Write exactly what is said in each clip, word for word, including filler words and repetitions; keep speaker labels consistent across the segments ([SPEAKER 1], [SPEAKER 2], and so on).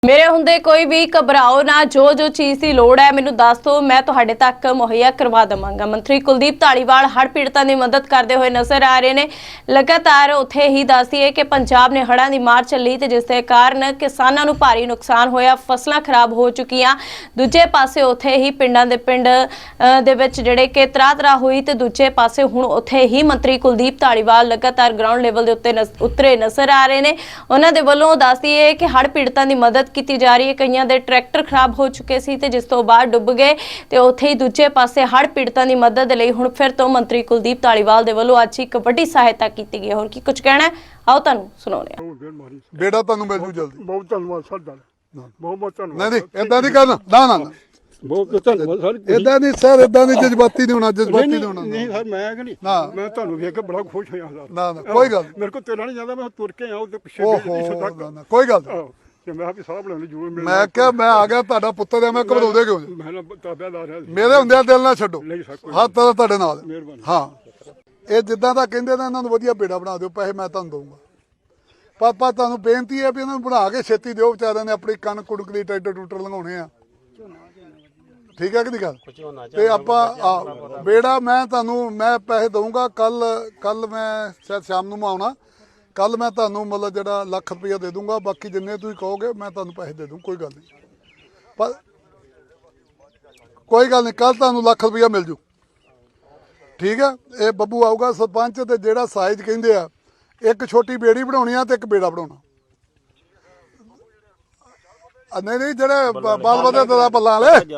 [SPEAKER 1] मेरे हुंदे कोई भी घबराओ ना, जो जो चीज़ की लोड़ है मैनू दस दो, मैं तुहाडे तक मुहैया करवा देवांगा। मंत्री कुलदीप धालीवाल हड़ पीड़तां दी मदद करते हुए नज़र आ रहे हैं। लगातार उत्थे ही दस दईए कि पंजाब ने हड़ां दी मार झल्ली ते जिस दे कारण किसानां नू भारी नुकसान होया, फसलां खराब हो चुकियां। दूजे पासे उत्थे ही पिंडां दे पिंड दे विच जिहड़े कि त्राह त्राह हुई ते दूजे पासे हुण उत्थे ही मंत्री कुलदीप धालीवाल लगातार ग्राउंड लेवल दे उत्ते उतरे नज़र आ रहे हैं। उन्हां दे वल्लों दस दईए कि हड़ पीड़तां दी मदद की जा रही है। कईयां दे ट्रैक्टर खराब हो चुके सी ते जिस तो बाद डुब गए ते उत्थे ही दूजे पासे हड़ पीड़तां दी मदद लई हुण फिर तो मंत्री कुलदीप धालीवाल दे वल्लों अज एक वड्डी सहायता की गई है। होर की कुछ कहना है, आओ तुहानूं सुणाउने आ।
[SPEAKER 2] बेटा तुहानूं मिल जू जल्दी।
[SPEAKER 3] बहुत धन्यवाद सर, बहुत बहुत धन्यवाद।
[SPEAKER 2] नहीं नहीं इदां नहीं करना, ना ना ना
[SPEAKER 3] बहुत धन्यवाद सर।
[SPEAKER 2] इदां नहीं सर, इदां नहीं, जज्बाती नहीं होना, जज्बाती नहीं होना।
[SPEAKER 3] नहीं सर, मैं कि नहीं
[SPEAKER 2] ना
[SPEAKER 3] मैं ਤੁਹਾਨੂੰ ਵੇਖ ਕੇ ਬੜਾ ਖੁਸ਼ ਹੋਇਆ ਸਰ।
[SPEAKER 2] ना ना कोई गल
[SPEAKER 3] ਮੇਰੇ ਕੋਲ ਤੇਰਾ ਨਹੀਂ ਜਾਂਦਾ, ਮੈਂ ਤੁਰ ਕੇ ਆਇਆ ਉਹਦੇ ਪਿੱਛੇ
[SPEAKER 2] ओहो
[SPEAKER 3] ਤੱਕ।
[SPEAKER 2] ना ना कोई गल नहीं।
[SPEAKER 3] ਤੇ ਮੈਂ ਵੀ ਸਾਹ ਬਣਾਉਣ ਜੂਰ ਮਿਲ
[SPEAKER 2] मैं क्या मैं आ गया ਤੁਹਾਡਾ ਪੁੱਤਰ ਆ, मैं घबराਉਂਦੇ क्यों जी?
[SPEAKER 3] ਮੈਂ ਨਾ ਤਾਬਿਆਦਾਰ ਹਾਂ।
[SPEAKER 2] ਮੇਰੇ ਹੁੰਦਿਆਂ ਦਿਲ ਨਾ ਛੱਡੋ,
[SPEAKER 3] ਨਹੀਂ ਸਰ, ਕੋਈ
[SPEAKER 2] ਹੱਥ ਤਾਂ ਤੁਹਾਡੇ ਨਾਲ ਹੈ।
[SPEAKER 3] ਮਿਹਰਬਾਨੀ।
[SPEAKER 2] ਹਾਂ ਇਹ ਜਿੱਦਾਂ ਦਾ ਕਹਿੰਦੇ ਨੇ ਇਹਨਾਂ ਨੂੰ ਵਧੀਆ ਬੇੜਾ ਬਣਾ ਦਿਓ, ਪੈਸੇ ਮੈਂ ਤੁਹਾਨੂੰ ਦਊਂਗਾ। ਪਰ ਪਰ ਤੁਹਾਨੂੰ ਬੇਨਤੀ ਹੈ ਵੀ ਇਹਨਾਂ ਨੂੰ ਬਣਾ ਕੇ ਛੇਤੀ ਦਿਓ, ਵਿਚਾਰਿਆਂ ਨੇ ਆਪਣੀ ਕਣਕ ਕੁਣਕ ਦੀ ਟਰੈਕਟਰ ਟੂਟਰ ਲੰਘਾਉਣੇ ਆ। ਠੀਕ ਹੈ ਕਿ ਨਹੀਂ ਗੱਲ? ਤੇ ਆਪਾਂ ਬੇੜਾ ਮੈਂ ਤੁਹਾਨੂੰ ਮੈਂ ਪੈਸੇ ਦਊਂਗਾ। ਕੱਲ ਕੱਲ ਮੈਂ ਸ਼ਾਇਦ ਸ਼ਾਮ ਨੂੰ ਮੈਂ ਆਉਣਾ, ਕੱਲ ਮੈਂ ਤੁਹਾਨੂੰ ਮਤਲਬ ਜਿਹੜਾ ਲੱਖ ਰੁਪਈਆ ਦੇ ਦੂੰਗਾ। ਬਾਕੀ ਜਿੰਨੇ ਤੁਸੀਂ ਕਹੋਗੇ ਮੈਂ ਤੁਹਾਨੂੰ ਪੈਸੇ ਦੇ ਦੂੰ, ਕੋਈ ਗੱਲ ਨਹੀਂ। ਪਰ ਕੋਈ ਗੱਲ ਨਹੀਂ, ਕੱਲ ਤੁਹਾਨੂੰ ਲੱਖ ਰੁਪਈਆ ਮਿਲ ਜੂ। ਠੀਕ ਹੈ, ਇਹ ਬੱਬੂ ਆਊਗਾ ਸਰਪੰਚ, ਤੇ ਜਿਹੜਾ ਸਾਈਜ਼ ਕਹਿੰਦੇ ਆ, ਇੱਕ ਛੋਟੀ ਬੇੜੀ ਬਣਾਉਣੀ ਆ ਤੇ ਇੱਕ ਬੇੜਾ ਬਣਾਉਣਾ। ਨਹੀਂ ਨਹੀਂ ਜਿਹੜੇ ਬਾਲ ਵਧੇ ਦਾ ਬੱਲਾਂ ਵਾਲੇ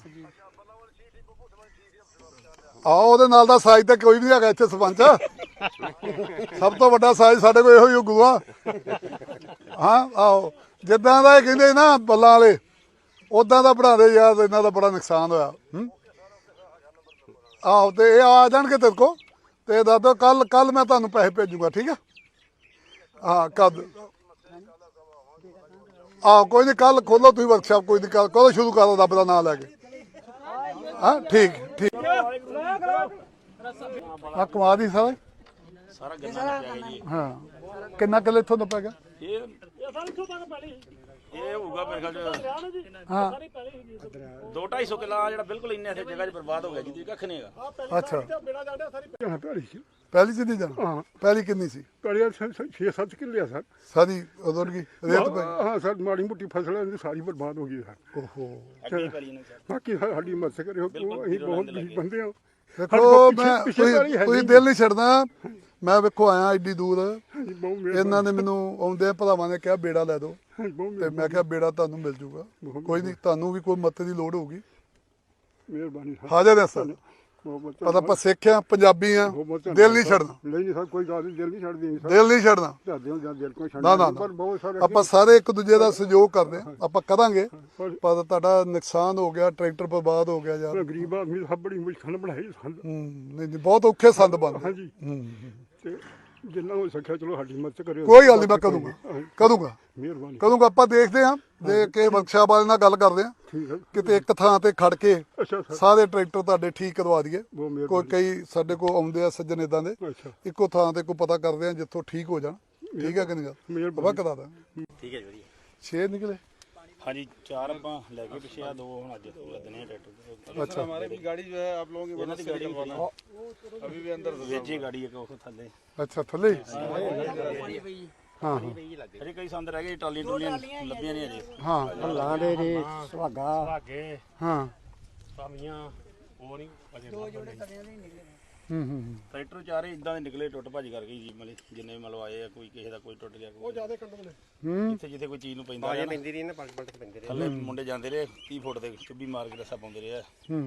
[SPEAKER 2] ਆਹ ਉਹਦੇ ਨਾਲ ਦਾ ਸਾਈਜ਼ ਤਾਂ ਕੋਈ ਵੀ ਨਹੀਂ ਹੈਗਾ ਇੱਥੇ ਸਰਪੰਚ। ਸਭ ਤੋਂ ਵੱਡਾ ਸਾਈਜ਼ ਸਾਡੇ ਕੋਲ ਇਹੋ ਹੀ ਗੁਆ। ਹਾਂ ਆਹੋ, ਜਿੱਦਾਂ ਦਾ ਇਹ ਕਹਿੰਦੇ ਨਾ ਬੱਲਾਂ ਵਾਲੇ, ਉਦਾਂ ਦਾ ਬਣਾ ਦੇ ਯਾਰ, ਇਹਨਾਂ ਦਾ ਬੜਾ ਨੁਕਸਾਨ ਹੋਇਆ। ਹੂੰ ਆਹੋ, ਤੇ ਇਹ ਆ ਜਾਣਗੇ ਤੇਰੇ ਕੋਲ ਤੇ ਦੱਸ ਦਿਓ, ਕੱਲ ਕੱਲ ਮੈਂ ਤੁਹਾਨੂੰ ਪੈਸੇ ਭੇਜੂਗਾ। ਠੀਕ ਆ? ਹਾਂ ਕਦ ਆਹ ਕੋਈ ਨਹੀਂ, ਕੱਲ ਖੋਲੋ ਤੁਸੀਂ ਵਰਕਸ਼ਾਪ, ਕੋਈ ਨਹੀਂ, ਕੱਲ ਕਦੋਂ ਸ਼ੁਰੂ ਕਰੋ ਰੱਬ ਦਾ ਨਾਮ ਲੈ ਕੇ। ਹਾਂ ਠੀਕ ਠੀਕ। ਆ ਕਮਾ ਦੀ ਸਾਰਾ
[SPEAKER 4] ਸਾਰਾ ਗੰਨਾ ਲੱਗਿਆ ਜੀ।
[SPEAKER 2] ਹਾਂ ਕਿੰਨਾ ਕਿੱਲੇ ਇੱਥੋਂ ਦਾ ਪੈ ਗਿਆ?
[SPEAKER 4] ਇਹ ਇਹ ਹੋਊਗਾ ਮੇਰੇ ਖਿਆਲ ਚ
[SPEAKER 2] ਹਾਂ
[SPEAKER 4] ਦੋ ਢਾਈ ਸੌ ਕਿੱਲਾ ਜਿਹੜਾ ਬਿਲਕੁਲ ਇੰਨੇ ਇੱਥੇ ਜਗ੍ਹਾ 'ਚ ਬਰਬਾਦ ਹੋ ਗਿਆ, ਜਿਹਦੀ ਕੱਖ ਨਹੀਂ ਹੈਗਾ।
[SPEAKER 2] ਅੱਛਾ
[SPEAKER 3] ਭੈੜੀ ਸੀ।
[SPEAKER 2] ਪਹਿਲੀ ਚ ਨਹੀਂ ਜਾਣਾ?
[SPEAKER 3] ਹਾਂ
[SPEAKER 2] ਪਹਿਲੀ ਕਿੰਨੀ ਸੀ?
[SPEAKER 3] ਕੜਿਆ ਛੇ ਸੱਤ ਕਿੱਲੇ ਆ ਸਰ।
[SPEAKER 2] ਸਾਰੀ ਉਦੋਂ ਕੀ ਰੇਤ ਪਈ?
[SPEAKER 3] ਹਾਂ ਸਰ, ਮਾੜੀ ਮੋਟੀ ਫਸਲ ਇਹਦੀ ਸਾਰੀ ਬਰਬਾਦ ਹੋ ਗਈ ਸਰ।
[SPEAKER 2] ਓਹੋ
[SPEAKER 4] ਅੱਗੇ ਕਰੀ ਨੇ ਸਰ।
[SPEAKER 3] ਬਾਕੀ ਸਰ ਸਾਡੀ ਮਦਦ ਕਰਿਓ, ਅਸੀਂ ਬਹੁਤ ਗਰੀਬ ਬੰਦੇ ਹਾਂ।
[SPEAKER 2] ਦੇਖੋ ਮੈਂ ਤੁਸੀਂ ਤੁਸੀਂ ਦਿਲ ਨਹੀਂ ਛੱਡਦਾ। ਮੈਂ ਵੇਖੋ ਆਇਆ ਏਡੀ ਦੂਰ,
[SPEAKER 3] ਬਹੁਤ
[SPEAKER 2] ਇਹਨਾਂ ਨੇ ਮੈਨੂੰ ਆਉਂਦੇ ਭਰਾਵਾਂ ਨੇ ਕਿਹਾ ਬੇੜਾ ਲੈ ਦਿਓ,
[SPEAKER 3] ਬਹੁਤ
[SPEAKER 2] ਤੇ ਮੈਂ ਕਿਹਾ ਬੇੜਾ ਤੁਹਾਨੂੰ ਮਿਲ ਜੂਗਾ। ਕੋਈ ਨਹੀਂ, ਤੁਹਾਨੂੰ ਵੀ ਕੋਈ ਮਦਦ ਦੀ ਲੋੜ ਹੋਊਗੀ।
[SPEAKER 3] ਮਿਹਰਬਾਨੀ ਸਰ।
[SPEAKER 2] ਹਾਜ਼ਰ ਹੈ ਸਰ।
[SPEAKER 3] ਬਹੁਤ ਬਹੁਤ
[SPEAKER 2] ਪਤਾ ਆਪਾਂ ਸਿੱਖ ਆ, ਪੰਜਾਬੀ ਆ, ਦਿਲ ਨਹੀਂ ਛੱਡਣਾ।
[SPEAKER 3] ਨਹੀਂ ਨਹੀਂ ਸਰ, ਕੋਈ ਗੱਲ ਨਹੀਂ, ਦਿਲ ਨਹੀਂ ਛੱਡਦੀ ਸਰ।
[SPEAKER 2] ਦਿਲ ਨਹੀਂ ਛੱਡਣਾ।
[SPEAKER 3] ਝਾਦੇ ਹੋ ਜਾਂ ਦਿਲ ਕੋਈ
[SPEAKER 2] ਨਾ
[SPEAKER 3] ਛੱਡਦਾ
[SPEAKER 2] ਨਾ
[SPEAKER 3] ਪਰ ਬਹੁਤ ਸਾਰੇ
[SPEAKER 2] ਆਪਾਂ ਸਾਰੇ ਇੱਕ ਦੂਜੇ ਦਾ ਸਹਿਯੋਗ ਕਰਦੇ ਆ, ਆਪਾਂ ਕਰਾਂਗੇ। ਪਰ ਤੁਹਾਡਾ ਨੁਕਸਾਨ ਹੋ ਗਿਆ, ਟਰੈਕਟਰ ਬਰਬਾਦ ਹੋ ਗਿਆ ਯਾਰ।
[SPEAKER 3] ਗਰੀਬ ਆਦਮੀ ਸਭ ਬੜੀ ਮੁਸ਼ਕਲ ਬਣਾਈ ਸੰਦ।
[SPEAKER 2] ਹੂੰ ਨਹੀਂ ਨਹੀਂ, ਬਹੁਤ ਔਖੇ ਸੰਦ ਬਣਦੇ।
[SPEAKER 3] ਹਾਂਜੀ,
[SPEAKER 2] ਹੂੰ
[SPEAKER 3] ਤੇ ਜਿੰਨਾ ਹੋ ਸਕਿਆ ਚਲੋ ਸਾਡੀ ਮਦਦ ਕਰਿਓ।
[SPEAKER 2] ਕੋਈ ਗੱਲ ਨਹੀਂ, ਮੈਂ ਕਰੂੰਗਾ ਕਰੂੰਗਾ
[SPEAKER 3] ਮਿਹਰਬਾਨੀ
[SPEAKER 2] ਕਰੂੰਗਾ। ਆਪਾਂ ਦੇਖਦੇ ਆ, ਦੇ ਕੇ ਵਰਕਸ਼ਾਪ ਵਾਲੇ ਨਾਲ ਗੱਲ ਕਰਦੇ ਆ,
[SPEAKER 3] ਠੀਕ ਹੈ।
[SPEAKER 2] ਕਿਤੇ ਇੱਕ ਥਾਂ ਤੇ ਖੜ ਕੇ
[SPEAKER 3] ਅੱਛਾ ਸਰ,
[SPEAKER 2] ਸਾਰੇ ਟਰੈਕਟਰ ਤੁਹਾਡੇ ਠੀਕ ਕਰਵਾ ਦਈਏ।
[SPEAKER 3] ਬਹੁਤ ਮਿਹਰਬਾਨੀ।
[SPEAKER 2] ਕੋਈ ਕਈ ਸਾਡੇ ਕੋਲ ਆਉਂਦੇ ਆ ਸੱਜਣ ਏਦਾਂ ਦੇ,
[SPEAKER 3] ਅੱਛਾ
[SPEAKER 2] ਇੱਕੋ ਥਾਂ ਤੇ ਕੋਈ ਪਤਾ ਕਰਦੇ ਆ ਜਿੱਥੋਂ ਠੀਕ ਹੋ ਜਾਣ। ਠੀਕ ਹੈ ਕਿ ਨਹੀਂ ਗੱਲ?
[SPEAKER 3] ਮਿਹਰਬਾਨੀ।
[SPEAKER 2] ਆਪਾਂ ਕਰਾ ਦਾਂ।
[SPEAKER 4] ਠੀਕ ਹੈ ਜੀ, ਵਧੀਆ।
[SPEAKER 2] ਛੇ ਨਿਕਲੇ?
[SPEAKER 4] ਹਾਂਜੀ, ਚਾਰ ਆਪਾਂ ਲੈ ਕੇ ਪਿੱਛੇ ਆ, ਦੋ ਹੁਣ ਅੱਜ ਲੱਦਨੇ ਆ ਟਰੈਕਟਰ।
[SPEAKER 2] अच्छा
[SPEAKER 5] हमारे भी गाड़ी जो है आप लोगों की मदद से निकलवाना अभी भी अंदर
[SPEAKER 4] ਵੇਜੀ ਗਾੜੀ ਇੱਕ ਉਹ ਥੱਲੇ
[SPEAKER 2] ਅੱਛਾ ਥੱਲੇ ਹੀ? ਹਾਂ ਹਾਂ
[SPEAKER 4] ਅਜੇ ਕਈ ਸੰਦ ਰਹਿ ਗਏ, ਟਾਲੀਆਂ ਟੂਲੀਆਂ ਲੱਭੀਆਂ ਨਹੀਂ ਅਜੇ।
[SPEAKER 2] ਹਾਂ
[SPEAKER 3] ਲਾਂ ਦੇ ਰੇ ਸੁਹਾਗਾ
[SPEAKER 2] ਹਾਂ
[SPEAKER 4] ਸਾਮੀਆਂ ਉਹ ਨਹੀਂ ਅਜੇ।
[SPEAKER 2] ਹੂੰ ਹੂੰ
[SPEAKER 4] ਟਰੈਕਟਰ ਚਾਰੇ ਇਦਾਂ ਦੇ ਨਿਕਲੇ, ਟੁੱਟ ਭੱਜ ਕਰ ਗਈ ਜੀ। ਮਤਲਬ ਜਿੰਨੇ ਮਤਲਬ ਆਏ ਆ, ਕੋਈ ਕਿਸੇ ਦਾ ਕੋਈ ਟੁੱਟ ਗਿਆ, ਉਹ ਜ਼ਿਆਦਾ ਕੰਡ
[SPEAKER 2] ਹੂੰ
[SPEAKER 4] ਜਿੱਥੇ ਜਿੱਥੇ ਕੋਈ ਚੀਜ਼ ਨੂੰ ਪੈਂਦਾ ਰਿਹਾ
[SPEAKER 5] ਪੈਂਦੀ ਰਹੀ ਨਾ ਪਲਟ ਪਲਟ ਕੇ ਪੈਂਦੀ ਰਹੀ।
[SPEAKER 4] ਥੱਲੇ ਮੁੰਡੇ ਜਾਂਦੇ ਰਹੇ, ਤੀਹ ਫੁੱਟ ਦੇ ਚੁੱਭੀ ਮਾਰ ਕੇ ਰੱਸਾ ਪਾਉਂਦੇ ਰਹੇ ਆ।
[SPEAKER 2] ਹੂੰ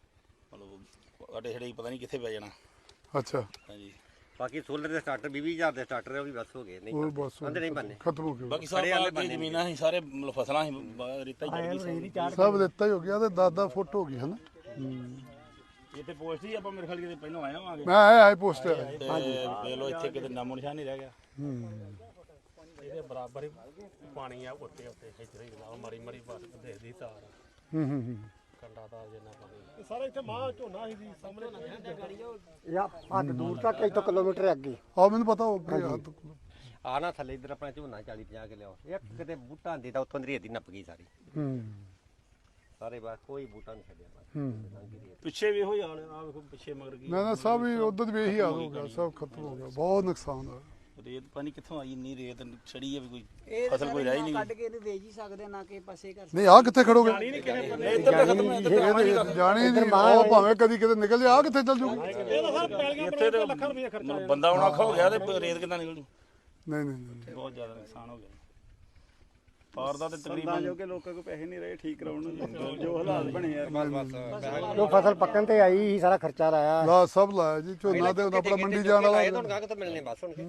[SPEAKER 4] ਮਤਲਬ ਅਡੇ ਛੜੇ ਪਤਾ ਨਹੀਂ ਕਿੱਥੇ ਪੈ ਜਾਣਾ।
[SPEAKER 2] ਅੱਛਾ
[SPEAKER 4] ਹਾਂਜੀ,
[SPEAKER 5] ਬਾਕੀ ਸੋਲਰ ਦੇ ਸਟਾਰਟਰ ਵੀਹ ਹਜ਼ਾਰ ਦੇ ਸਟਾਰਟਰ ਉਹ ਵੀ ਬਸ ਹੋ ਗਏ
[SPEAKER 2] ਉਹ
[SPEAKER 5] ਨਹੀਂ
[SPEAKER 2] ਬਸ
[SPEAKER 5] ਬੰਦੇ ਨਹੀਂ ਬੰਨੇ।
[SPEAKER 2] ਖਤਮ ਹੋ ਗਿਆ।
[SPEAKER 4] ਬਾਕੀ ਸਭ ਆ ਜ਼ਮੀਨਾਂ ਸੀ, ਸਾਰੇ ਮਤਲਬ ਫਸਲਾਂ ਸੀ, ਬ- ਰੇਤਾ ਹੀ ਚੜ ਗਈ ਸਾਰੀ।
[SPEAKER 2] ਸਭ ਦਿੱਤਾ ਹੀ ਹੋ ਗਿਆ, ਤੇ ਦਸ ਦਸ ਫੁੱਟ ਹੋ ਗਈ ਹੈ ਨਾ। ਹੂੰ
[SPEAKER 4] ਇੱਥੇ ਪੋਸਟ ਹੀ ਆਪਾਂ ਮੇਰੇ ਖਿਆਲ ਕਿਤੇ ਪਹਿਲਾਂ ਆਏ ਹੋਵਾਂਗੇ।
[SPEAKER 2] ਮੈਂ ਆਇਆ ਆਈ ਪੋਸਟ
[SPEAKER 4] ਤੇ ਦੇਖ ਲਓ ਇੱਥੇ ਕਿਤੇ ਨਾਮੋ ਨਿਸ਼ਾਨ ਨਹੀਂ ਰਹਿ ਗਿਆ।
[SPEAKER 2] ਹੂੰ
[SPEAKER 6] ਇਹਦੇ ਬਰਾਬਰ ਹੀ ਪਾਣੀ ਆ ਉੱਤੇ ਉੱਤੇ ਇੱਥੇ ਹੀ ਲਾ ਮਾਰੀ ਮਾਰੀ ਬਸ ਦੇਖਦੀ ਤਾਰ
[SPEAKER 2] ਹੂੰ ਹੂੰ ਹੂੰ
[SPEAKER 6] ਕੰਡਾ ਤਾਰ ਜਿੰਨਾ ਪਾਣੀ।
[SPEAKER 3] ਸਾਰਾ ਇੱਥੇ ਮਾਂ ਝੋਨਾ ਸੀ ਜੀ ਸਾਹਮਣੇ।
[SPEAKER 7] ਜਾਂ ਹੱਦ ਦੂਰ ਤੱਕ ਇੱਕ ਕਿਲੋਮੀਟਰ ਅੱਗੇ।
[SPEAKER 2] ਆ ਮੈਨੂੰ ਪਤਾ ਹੋ ਗਿਆ।
[SPEAKER 7] ਆ ਨਾ ਥੱਲੇ ਇੱਧਰ ਆਪਣਾ ਝੋਨਾ ਚਾਲੀ ਪੰਜਾਹ ਕੇ ਲਿਆਓ ਇੱਕ ਕਿਤੇ ਬੂਟਾ ਦੀ ਤਾਂ ਉੱਥੋਂ ਦੀ ਰੇਤ ਹੀ ਨੱਪ ਗਈ ਸਾਰੀ
[SPEAKER 3] ਹੂੰ
[SPEAKER 7] ਸਾਰੇ ਬਾਅਦ ਕੋਈ ਬੂਟਾ ਨਹੀਂ ਛੱਡਿਆ ਬਸ
[SPEAKER 3] ਹੂੰ
[SPEAKER 4] ਪਿੱਛੇ ਵੀ ਇਹੋ ਹੀ ਹਾਲ ਆ ਵੇਖੋ ਪਿੱਛੇ ਮਗਰ ਕੀ
[SPEAKER 2] ਨਾ ਨਾ ਸਭ ਹੀ ਉਧਰ ਵੀ ਇਹੀ ਹਾਲ ਹੋ ਗਿਆ ਸਭ ਖਤਮ ਹੋ ਗਿਆ ਬਹੁਤ ਨੁਕਸਾਨ ਹੋਇਆ
[SPEAKER 4] ਰੇਤ ਪਾਣੀ ਕਿੱਥੋਂ ਆਈ ਇੰਨੀ ਰੇਤ ਛੜੀ ਆ ਵੀ ਕੋਈ
[SPEAKER 8] ਇਹ
[SPEAKER 4] ਫਸਲ ਕੋਈ ਰਹਿ ਹੀ ਨਹੀਂ
[SPEAKER 8] ਕੱਢ ਕੇ ਇਹਨੂੰ ਵੇਚ ਹੀ ਸਕਦੇ ਨਾ ਕਿ ਪਾਸੇ ਕਰ
[SPEAKER 2] ਨਹੀਂ ਆ ਕਿੱਥੇ ਖੜੋਗੇ
[SPEAKER 4] ਇੱਧਰ ਤਾਂ ਖਤਮ ਇੱਧਰ ਤਾਂ ਆਉਣਾ ਨੀਗਾ।
[SPEAKER 2] ਜਾਣੀ ਨਹੀਂ ਉਹ ਭਾਵੇਂ ਕਦੀ ਕਿਤੇ ਨਿਕਲ ਜਾ ਆ ਕਿੱਥੇ ਚੱਲ ਜੂਗੀ
[SPEAKER 4] ਇੱਥੇ ਤੇ ਮਤਲਬ ਬੰਦਾ ਆਉਣਾ ਔਖਾ ਹੋ ਗਿਆ ਤੇ ਰੇਤ ਕਿੱਦਾਂ ਨਿਕਲੂ
[SPEAKER 2] ਨਹੀਂ ਨਹੀਂ ਨਹੀਂ
[SPEAKER 4] ਬਹੁਤ ਜ਼ਿਆਦਾ ਨੁਕਸਾਨ ਹੋ ਗਿਆ ਪਾਰ ਦਾ ਤੇ ਤਕਰੀਬਨ
[SPEAKER 5] ਜੋ ਕਿ ਲੋਕਾਂ ਕੋਲ ਪੈਸੇ ਨਹੀਂ ਰਹੇ ਠੀਕ ਕਰਾਉਣ ਨੂੰ ਜੋ ਹਾਲਾਤ ਬਣੇ ਆ
[SPEAKER 3] ਜੋ ਫਸਲ ਪੱਕਣ ਤੇ ਆਈ ਸੀ ਸਾਰਾ ਖਰਚਾ ਲਾਇਆ
[SPEAKER 2] ਲਾ ਸਭ ਲਾਇਆ ਜੀ ਝੋਨਾ ਤੇ ਆਪਣਾ ਮੰਡੀ ਜਾਣ ਵਾਲਾ
[SPEAKER 7] ਤੁਹਾਨੂੰ ਕਾਹ ਕਿਤੋਂ ਮਿਲਨੇ ਬਸ ਹੁਣ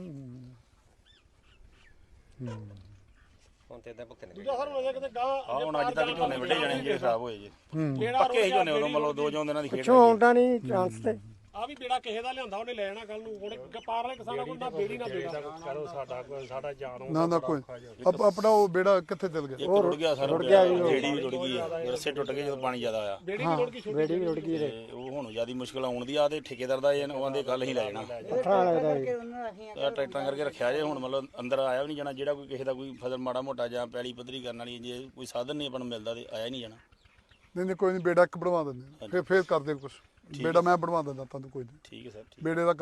[SPEAKER 7] ਹੁਣ ਤੇ ਇਦਾਂ ਭੁਗਤਣੇ
[SPEAKER 4] ਆ ਹੁਣ ਅੱਜ ਤੱਕ ਝੋਨੇ ਵੱਢੇ ਜਾਣੇ ਸੀ ਜਿਹੜੇ ਖਰਾਬ ਹੋਏ ਜੀ ਪੱਕੇ ਹੀ ਝੋਨੇ ਉਦੋਂ ਮਤਲਬ ਦੋ ਜੋਂ ਦਿਨਾਂ ਦੀ ਖੇਡ
[SPEAKER 3] ਪਿੱਛੋਂ ਆਉਂਦਾ ਨਹੀਂ ਚਾਂਸ ਤੇ
[SPEAKER 6] ਆ ਵੀ ਬੇੜਾ ਕਿਸੇ ਦਾ ਲਿਆਂਦਾ ਉਹਨੇ ਲੈ ਜਾਣਾ ਕੱਲ ਨੂੰ ਹੁਣ ਪਾਰ ਵਾਲੇ ਕਿਸਾਨਾਂ ਕੋਲ ਨਾ ਬੇੜੀ ਨਾ ਬੇੜਾ ਕਰੋ ਸਾਡਾ ਕੋਈ ਸਾਡਾ ਜਾਨ
[SPEAKER 2] ਨਾ ਨਾ ਕੋਈ ਆਪ- ਆਪਣਾ ਉਹ ਬੇੜਾ ਕਿੱਥੇ ਚੱਲ ਗਿਆ
[SPEAKER 4] ਇੱਕ ਰੁੜ ਗਿਆ ਸਾਰਾ ਜਿਹੜੀ ਵੀ ਰੁੜ ਗਈ ਆ ਰੱਸੇ ਟੁੱਟ ਗਏ ਜਦੋਂ ਪਾਣੀ ਜ਼ਿਆਦਾ ਆਇਆ
[SPEAKER 6] ਬੇੜੀ ਵੀ ਰੁੜ ਗਈ ਛੋਟੀ
[SPEAKER 3] ਬੇੜੀ ਵੀ ਰੁੜ ਗਈ
[SPEAKER 4] ਤੇ ਉਹ ਹੁਣ ਜਿਆਦਾ ਮੁਸ਼ਕਲ ਆਉਣ ਦੀ ਆ ਤੇ ਠੇਕੇਦਾਰ ਦਾ ਇਹ ਉਹ ਆਂਦੇ ਕੱਲ ਹੀ ਲੈ ਜਾਣਾ
[SPEAKER 3] ਪੱਥਰਾਂ ਲੱਗਦਾ
[SPEAKER 8] ਕਰਕੇ ਉਹਨਾਂ ਰੱਖੀਆਂ
[SPEAKER 4] ਇਹ ਟਰੈਕਟਰਾਂ ਕਰਕੇ ਰੱਖਿਆ ਜੇ ਹੁਣ ਮਤਲਬ ਅੰਦਰ ਆਇਆ ਵੀ ਨਹੀਂ ਜਾਣਾ ਜਿਹੜਾ ਕੋਈ ਕਿਸੇ ਦਾ ਕੋਈ ਫਸਲ ਮਾੜਾ ਮੋਟਾ ਜਾਂ ਪੈਲੀ ਪੱਧਰੀ ਕਰਨ ਵਾਲੀ ਜੇ ਕੋਈ ਸਾਧਨ ਨਹੀਂ ਆਪਾਂ ਨੂੰ ਮਿਲਦਾ ਤੇ ਆਇਆ ਹੀ ਨਹੀਂ ਜਾਣਾ
[SPEAKER 2] ਨਹੀਂ ਨਹੀਂ ਕੋਈ ਨਹੀਂ ਬੇੜਾ ਇੱਕ ਬਣਵਾ ਦਿੰਦੇ ਆ। ਫਿਰ ਫਿਰ ਕਰਦੇ ਕੁਝ ਬੇੜਾ ਮੈਂ ਬਣਵਾ ਦਿੰਦਾ ਤੁਹਾਨੂੰ ਕੋਈ ਨਹੀਂ
[SPEAKER 4] ਠੀਕ ਹੈ ਸਰ ਠੀਕ
[SPEAKER 2] ਬੇੜੇ ਦਾ